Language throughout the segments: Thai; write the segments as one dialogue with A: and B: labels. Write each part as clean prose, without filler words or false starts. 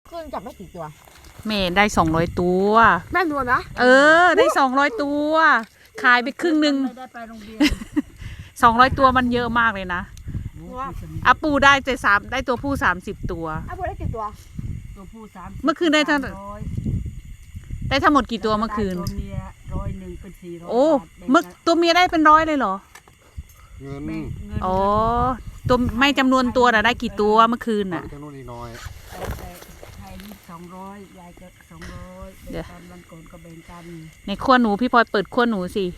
A: ขึ้นจับได้กี่ตัว
B: เมย์ได้200 ตัว
A: แม่นวลนะ
B: ได้200 ตัวขายไปครึ่งนึง
C: ไม่ได้ไปโรงเรียน
B: 200 ตัวมันเยอะมากเลยนะอาปูได้ได้ตัวผู้30 ตัว
A: อาปูได้กี่ตัว
C: ตัวผู้
B: เมื่อคืนได้ทั้งหมดกี่ตัวเมื่อคืน
C: ตัวเมีย101เป็น400
B: โอ้ตัวเมียได้เป็น100เลยเหรอ
D: เงิน
B: อ๋อตัวไม่จำนวนตัวน่ะได้กี่ตัวเมื่อคืนน่ะ
D: จำนวนน้อย
C: ไทยนี่200ยายก็200แบ่งกันวันก่อนก็แบ่งกัน
B: ในขั้วหนูพี่พลอยเปิดขั้วหนูสิ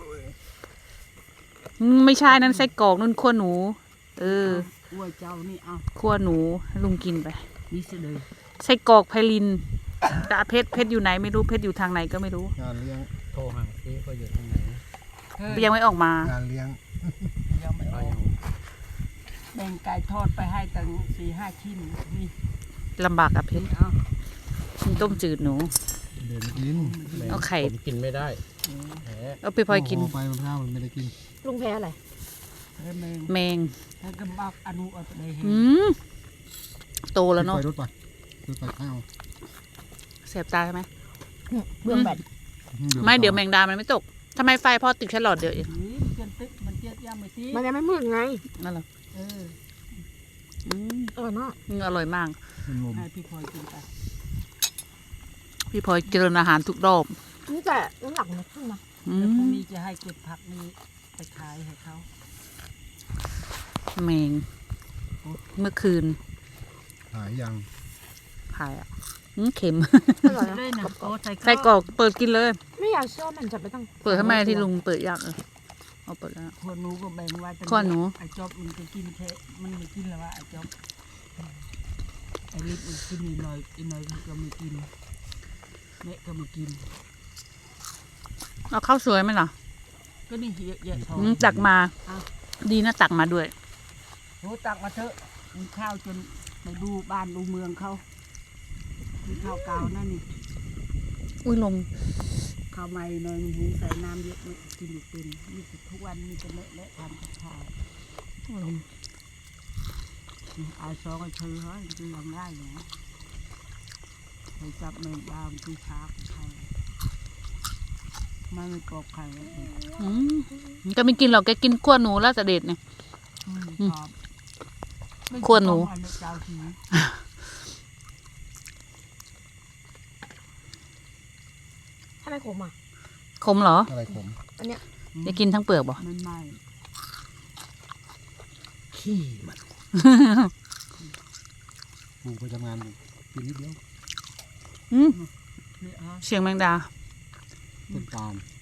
B: ไม่ใช่นั่นไส้กรอกนั่นขั้วหนู
C: อ้วยเจ้านี่เอา
B: ขั้วหนูให้ลุงกินไป
C: นี่สิเลย
B: ไส้กรอกไพลินแต่เพชรอยู่ไหนไม่รู้เพชรอยู่ทางไหนก็ไม่รู้
D: งานเลี้ยง
E: โทรหาพี่ก็อยู่ทางไหน
B: ยังไม่ออกมาง
D: านเลี้ยง
C: ยังไม่ออกแบ่งไก่ทอดไปให้ตั้ง4-5 ชิ้นนี่
B: ลำบากอะเพชรกินต้มจืดหนู
D: เดินกิน
B: เอาไข่
E: ผมกินไม่ได้
B: เอาไปพลอยกิน
D: ไปมันข้าวมันไม่ได้กิน
A: ลุงแพ้อะไร
B: แมง
C: ถ้ากำบักอนุอัตเลย
B: โตแล้วเนาะ
D: รถไปข้าว
B: เสียบตาใช่ไหม
A: เบื้องแบต
B: ไม่เดี๋ยวแมงดามันไม่ตกทำไมไฟพอติดแค่หลอดเดียวเอง
C: มันเจี๊ยบย่ำไปสิ
A: มันยังไม่มืดไง
B: นั่นเหรอ
A: อร่อยมาก
B: อร่อยมาก
C: ให้พี่พลอยกินไป
B: พี่พลอยเจริญอาหารทุกรอบ
A: นี่แต่น้ำหนักมันขึ้นนะ
C: แล้วพรุ่งนี้จะให้เก็บผักนี้ไปขายให้เขา
B: แมงเมื่อคืน
D: หายยัง
B: หายอ่ะเค็ม
C: ใส่
B: กรอกเปิดกินเลย
A: ไม่อยากเชื่อมันจะไปตั้ง
B: เปิดทำไมที่ลุงเปิดยากเอาเปิดแล้ว
C: ข้อหนูก็แบ่งไว้
B: ข้อหนู
C: ไอ้จอบมันจะกินแค่มันไม่กินแล้วว่าไอ้จอบไอ้ลิปมันกินอีกหน่อยก็ไม่กินแม่ก็ไม่กิน
B: เอาข้าวสวยไหมล่ะ
C: ก็นี่เยอะแยะทอง
B: ตักมาดีนะตักมาด้วย
C: โหตักมาเถอะมีข้าวจนไปดูบ้านดูเมืองเขามีข้าวเก่านั่นนี่
B: อุ้ยลม
C: ข้าวใหม่หน่อยหุงใส่น้ำเยอะไม่กินอยู่เป็นมีทุกวันมีแต่เละทำกับข้าว
B: ลม
C: เอาซองก็เชื่อเขาจะยังได้เหรอไปจับแมงดาที่ช้าของเขาไม่กรอบไข่
B: ก็ไม่กินหรอกแกกินขั้วหนูแล้วจะเด็ดเนี่ยขั้วหนู
A: ทำไมขมอ่ะ
B: ขมเหรอ
D: อะไรขม
A: อันเนี้ย
B: จะกินทั้งเปลือกบ่
C: ไม่
D: ขี้มันปูไปทำงานกินนิดเดียว
B: เชียงแมงดา
D: ต้นปาล์ม